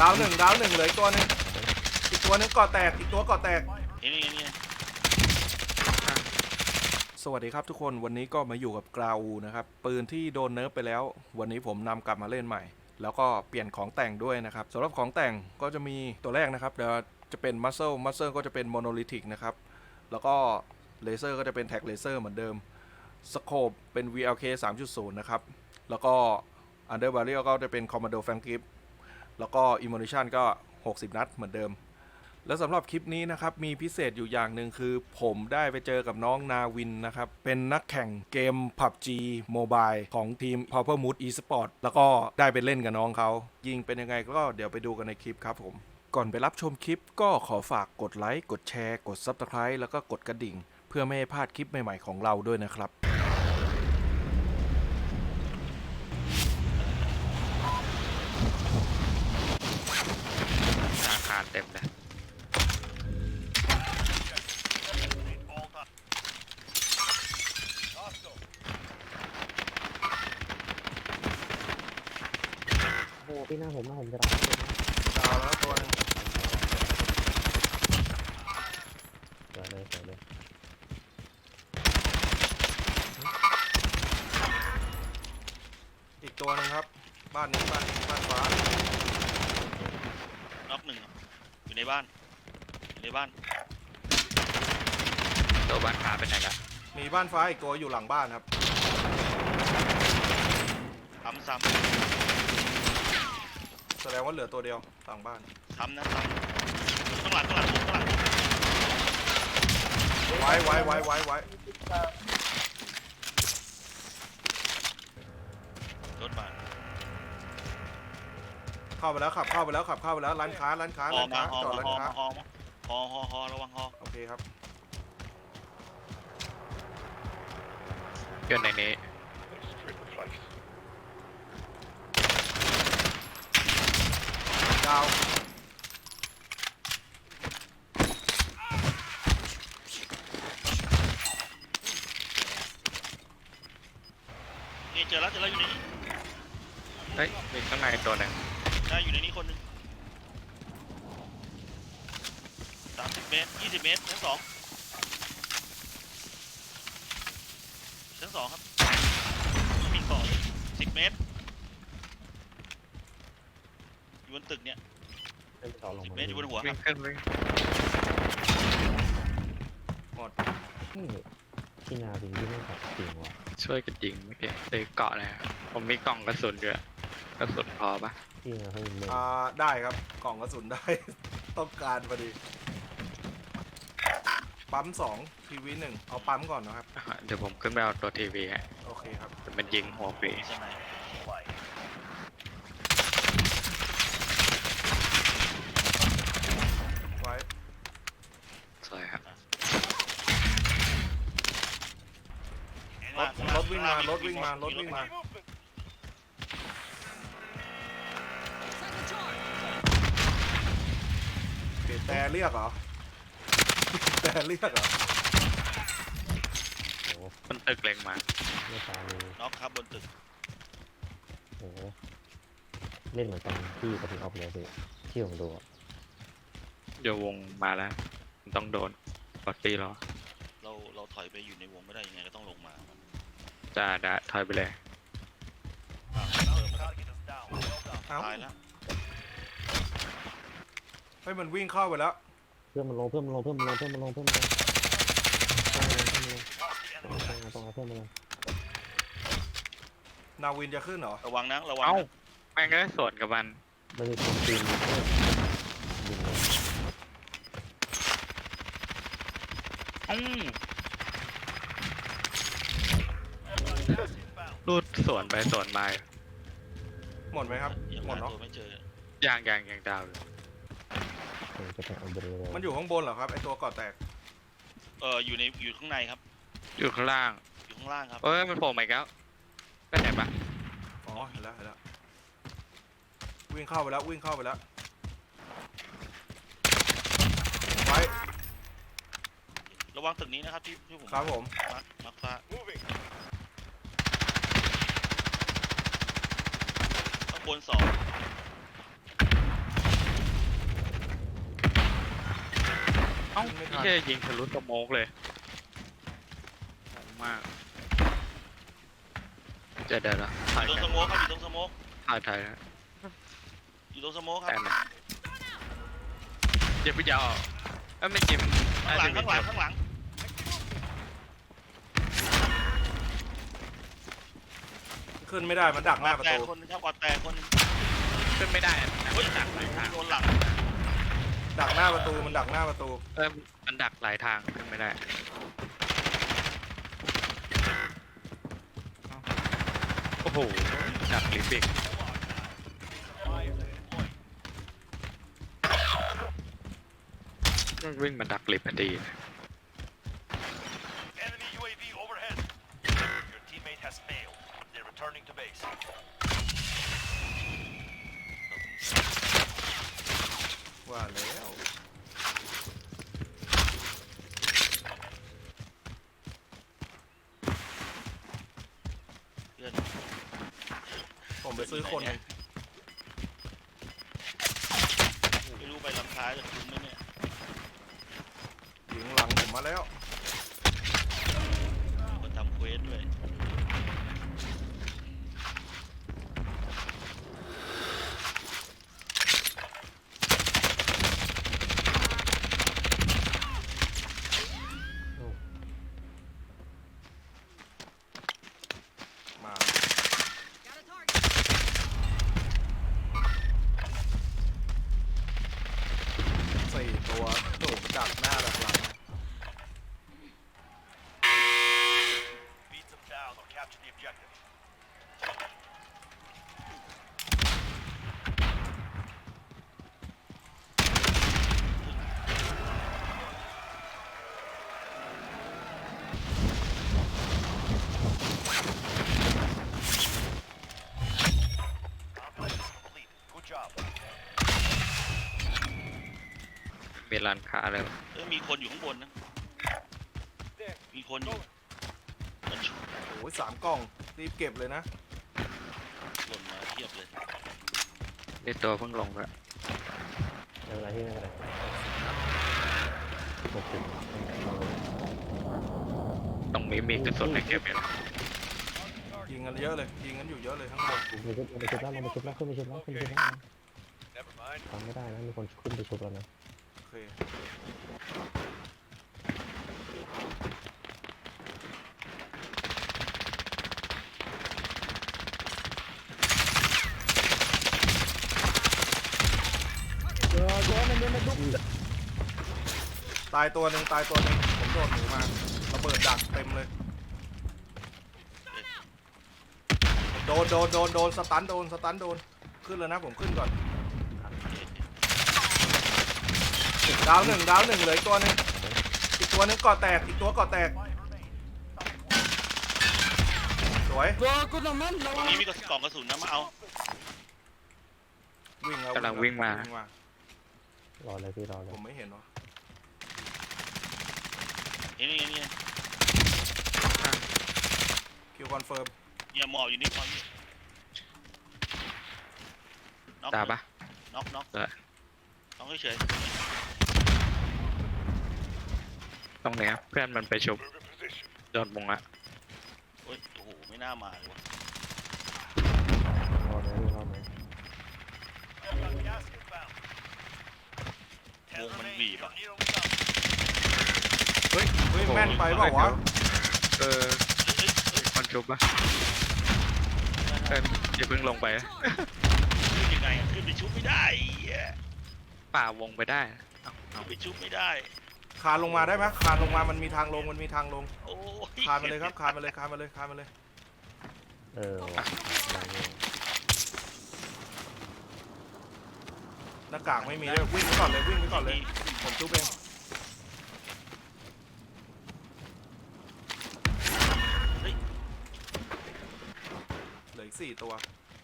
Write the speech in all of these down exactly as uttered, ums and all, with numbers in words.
ดาวหนึ่งดาวหนึ่งเหลืออีกตัวหนึงอีกตัวหนึงเกาะแตกอีกตัวเกาะแตกนี่นี่นี่สวัสดีครับทุกคนวันนี้ก็มาอยู่กับกราวูนะครับปืนที่โดนเนิร์ฟไปแล้ววันนี้ผมนำกลับมาเล่นใหม่แล้วก็เปลี่ยนของแต่งด้วยนะครับสำหรับของแต่งก็จะมีตัวแรกนะครับเดี๋ยวจะเป็นมัสเซิลมัสเซิลก็จะเป็นโมโนลิทิกนะครับแล้วก็เลเซอร์ก็จะเป็นแท็กเลเซอร์เหมือนเดิมสโคปเป็น วี แอล เค สามจุดศูนย์ นะครับแล้วก็อันเดอร์บาเรียลก็จะเป็นคอมมานโดแฟงกิฟแล้วก็อิมมูนิชันก็หกสิบนัดเหมือนเดิมแล้วสำหรับคลิปนี้นะครับมีพิเศษอยู่อย่างหนึ่งคือผมได้ไปเจอกับน้องนาวินนะครับเป็นนักแข่งเกม พับจี Mobile ของทีม Power Mood Esport แล้วก็ได้ไปเล่นกับน้องเขายิงเป็นยังไงก็เดี๋ยวไปดูกันในคลิปครับผมก่อนไปรับชมคลิปก็ขอฝากกดไลค์กดแชร์กด ซับสไครบ์ แล้วก็กดกระดิ่งเพื่อไม่ให้พลาดคลิปใหม่ๆของเราด้วยนะครับอาคารเต็มเลยโอ้โหพี่หน้าผมนะผมจะรับดาวแล้วตัวนึงเดี๋ยวเลยเดี๋ยวเลยอีกตัวนึงครับบ้านนี้บ้านบ้านฟ้าน็อกหนึ่งอยู่ในบ้านอยู่ในบ้านตัวบ้านขาเป็นไงกันมีบ้านฟ้าอีกตัวอยู่หลังบ้านครับซ้ำซ้แสดงว่าเหลือตัวเดียวหลังบ้านำซ้ำนะซ้ำข้างหลังข้างหลังข้างหลังไว้ไว้ไว้ไว้ไว้รถบ้านเข้าไปแล้วขับเข้าไปแล้วขับเข้าไปแล้วร้านค้าร้านค้าฮอร้านมาค้าฮอจอดมาร้านฮอค้ามาฮอมาฮอฮอฮอระวังฮอโอเคครับอยู่ในนี้ดาวนี่เจอแล้วเจอแล้วอยู่ในนี้เฮ้ยมีข้างในตัวหนึ่งได้อยู่ในนี้คนหนึ่งสามสิบเมตรยี่สิบเมตรชั้นสองชั้นสองครับไม่มีต่อเลยสิบเมตรอยู่บนตึกเนี่ยเล่นต่อลงสิบมาเมตรอยู่บนหัวควิ่รังบขึ้นวิ่งหมดนี่พี่นาวินที่ไม่ตัดจริงว่ะช่วยกันยิงเมื่อกี้เลยเกาะเลยครับผมมีกล่องกระสุนด้วยกระสุนพอปะพี่นาเขายิงเล่นอ่าได้ครับกล่องกระสุนได้ ต้องการพอดีปั๊มสองทีวีหนึ่งเอาปั๊มก่อนนะครับอ่ะเดี๋ยวผมขึ้นไปเอาตัวทีวีฮะโอเคครับแต่มันยิงหัวฟรีใช่ไหมไว้สวยครับรถรถวิ่งมารถวิ่งมารถวิ่งมาโอเคแต่เรียกเหรอ แต่เรียกเหรอโอ้โหมันตึกเล็งมาไม่ตาเลยน็อกครับบนตึกโอ้โหเล่นเหมือนกันพี่กับพี่ออฟเลยพี่ที่ผมดูอะเดี๋ยววงมาแล้วมันต้องโดนปอตตี้รอเราเราถอยไปอยู่ในวงไม่ได้ยังไงก็ต้องลงมาจะได้ถอยไปเลยอ้าวเติมนะครับเอ้าตายแล้วเฮ้ยมันวิ่งเข้าไปแล้วเพื่อนมันลงเพื่อนมันลงเพื่อนมันลงเพื่อนมันลงเพื่อนมันลงเพื่อนมันลงเพื่อนมันลงต้องเอาเพื่อนมันลงนาวินจะขึ้นเหรอระวังนะระวังเอ้านะแม่งก็สวนกับมันไม่ได้คนตีนเพื่อนยิงเลยอืมรูดสวนไปสวนมาหมดไหมครับยังหมดหาเนาะตัวไม่เจอย่างย่างย่างดาวอยู่ผมจะไปเอาเบอร์เลยมันอยู่ข้างบนเหรอครับไอตัวเกาะแตกเอออยู่ในอยู่ข้างในครับอยู่ข้างล่างอยู่ข้างล่างครับเอ้ยมันโผล่มาอีกแล้วไปไหนปะอ๋อเห็นแล้วเห็นแล้ววิ่งเข้าไปแล้ววิ่งเข้าไปแล้วไว้ระวังตึกนี้นะครับที่ที่ผมครับผมมาร์คมาร์คฟ้าข้างบนสองเอ้ายิงไม่ทัไม่นใช่ยิงทะลุสโมกเลยงงมากเจะเดี๋ยวนะอถ่ายยู่ตรงกัสนโมกครับอยู่ตรงสโมกถ่ายถ่ายนะอยู่ตรงสโมกคแต่รับนะอย่าไปยาวเอ้ยไม่จริงข้างหลังข้างหลังข้างหลังขึ้นไม่ได้มันดักหน้าประแตตูกคนนึงครับกอดแตกคนนึงขึ้นไม่ได้อะเฮ้ยมันดักหลายทางโดนหลังดักหน้าประตูมันดักหน้าประตูเออมันดักหลายทางขึ้นไม่ได้โอ้โหดักลิฟต์อีกมันวิ่งมาดักลิฟต์พอดี Enemy U A V overhead. Your teammate has failed. They're returning to base. ว่าแล้วเพื่อนผมไปซื้อคนหนึ่งไม่รู้ไปลำท้ายจะคุ้มไหมเนี่ยยิงหลังผมมาแล้วคนทำเควสด้วยมาสี่ตัวโดดดักหน้าดักหลัง Beat them down or capture the objective. มีร้านค้าอะไรวะเอ้ยมีคนอยู่ข้างบนนะ มีคนอยู่มันชุบโอ้ยสามกล่องรีบเก็บเลยนะหล่นมาเทียบเลยนี่ตัวเพิ่งลงแล้วไม่เป็นไรพี่ไม่เป็นไรหกสิบตรงนี้มีกระสุนให้เก็บอยู่นะยิงกันเยอะเลยยิงกันอยู่เยอะเลยข้างบนลงไปชุบลงไปชุบแล้วลงไปชุบแล้วขึ้นไปชุบแล้วขึ้นไปชุบแล้ว Never mind. ทำไม่ได้นะมีคนขึ้นไปชุบแล้วนะโอเคตายตัวหนึ่งตายตัวหนึ่งผมโดนหนูมาระเบิดดักเต็มเลยโดนโดนโดนโดนสตันโดนสตันโดนขึ้นแล้วนะผมขึ้นก่อนดาวหนึ่งดาวหนึ่งเหลืออีกตัวหนึงอีกตัวหนึงเกาะแตกอีกตัวเกาะแตกสวยตรงนี้มีกระล่องกระสุนนะมาเอาวิ่งแล้วกำลังวิ่งมาวิ่งมารอเลยพี่รอเลยผมไม่เห็นวะเห็นนี่นี่คิวคอนเฟิร์มเนี่ยหมอบอยู่นี่หมอบอยู่น็อกตาปะน็อกน็อกเออน็อกเฉยตรงเนี้ยเพื่อนมันไปชุบโดนมุงละๆโอ้ยโอ้โหไม่น่ามาเลยวะรอเลยพี่รอเลย Got gas inbound. วงมันบีบ You're อะ nearly done. เฮ้ยเฮ้ยแม่นไปเปล่าวะเออเฮ้ยเฮ้ยคนชุบปะเอออย่าเพิ่งลงไปนะขึ้นยังไงอะขึ้นไปชุบไม่ได้ไอ้เหี้ยป่าวงไปได้เอาเอาขึ้นไปชุบไม่ได้คานลงมาได้ไหมคานลงมามันมีทางลงมันมีทางลงโอ้ยคานมาเลยครับคานมาเลยคานมาเลยคานมาเลยเออว่ะได้เลยหน้ากากไม่มีเลยวิ่งไปก่อนเลยวิ่งไปก่อนเลยผมจุ๊บเองเหลืออีกสี่ตัว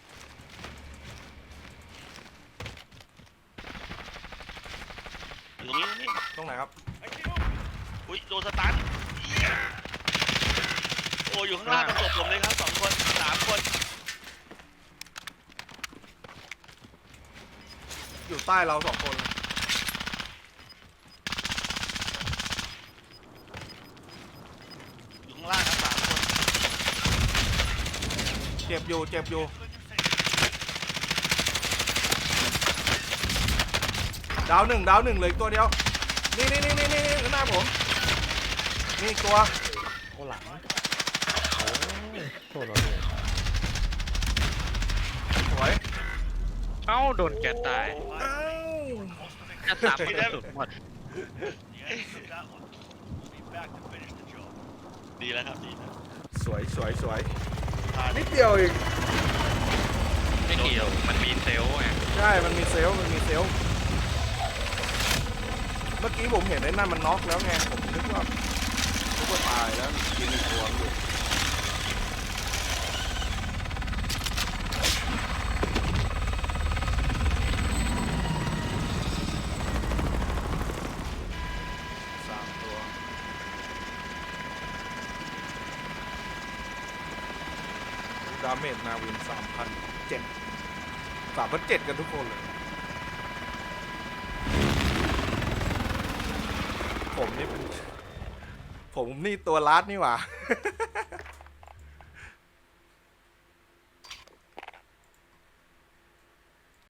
อยู่ตรงนี้ตรงนี้ตรงไหนครับอุ้ยโดนสตันเหี้ยโอ้อยู่ข้างล่างประสบผมเลยครับสองคนสามคนอยู่ใต้เราสองคนเจ็บอยู่เจ็บอยู่ดาวหนึ่งดาวหนึ่งเหลยตัวเดียวนี่นี่นี่นี่นี่หน้าผมนี่อีกตัวโอ้หลังโอ้ยโทษเราเลยสวยเอ้าโดนแกตายอ้าวจะสามกระสุนหมด The end of that one. We'll be back to finish the job. ดีแล้วครับดีแล้วสวยสวยสวยพลาดนิดเดียวเองไม่เกี่ยวมันมีเซลล์ไงใช่มันมีเซลล์มันมีเซลล์เมื่อกี้ผมเห็นไอ้นั่นมันน็อกแล้วไงผมนึกว่านึกว่าตายแล้วกินอีกตัวอยู่สามตัวดาเมจนาวินสามพันเจ็ดสามพันเจ็ดกันทุกคนเลยผมนี่เป็นผมนี่ตัวลัดนี่หว่า